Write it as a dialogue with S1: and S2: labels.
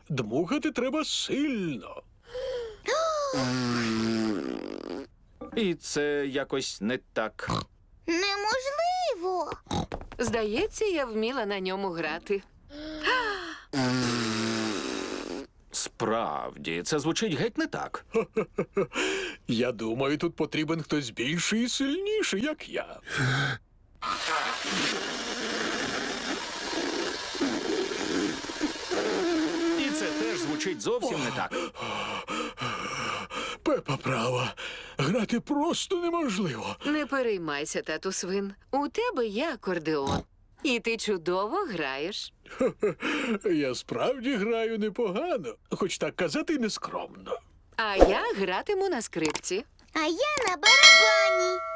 S1: Дмухати треба сильно.
S2: І це якось не так.
S3: Неможливо.
S4: Здається, я вміла на ньому грати.
S2: Справді, це звучить геть не так.
S1: Я думаю, тут потрібен хтось більший і сильніший, як я.
S2: І це теж звучить зовсім не так.
S1: Пепа права. Грати просто неможливо.
S4: Не переймайся, тату свин. У тебе є акордеон. І ти чудово граєш.
S1: Я справді граю непогано, хоч так казати нескромно.
S4: А я гратиму на скрипці.
S3: А я на барабані.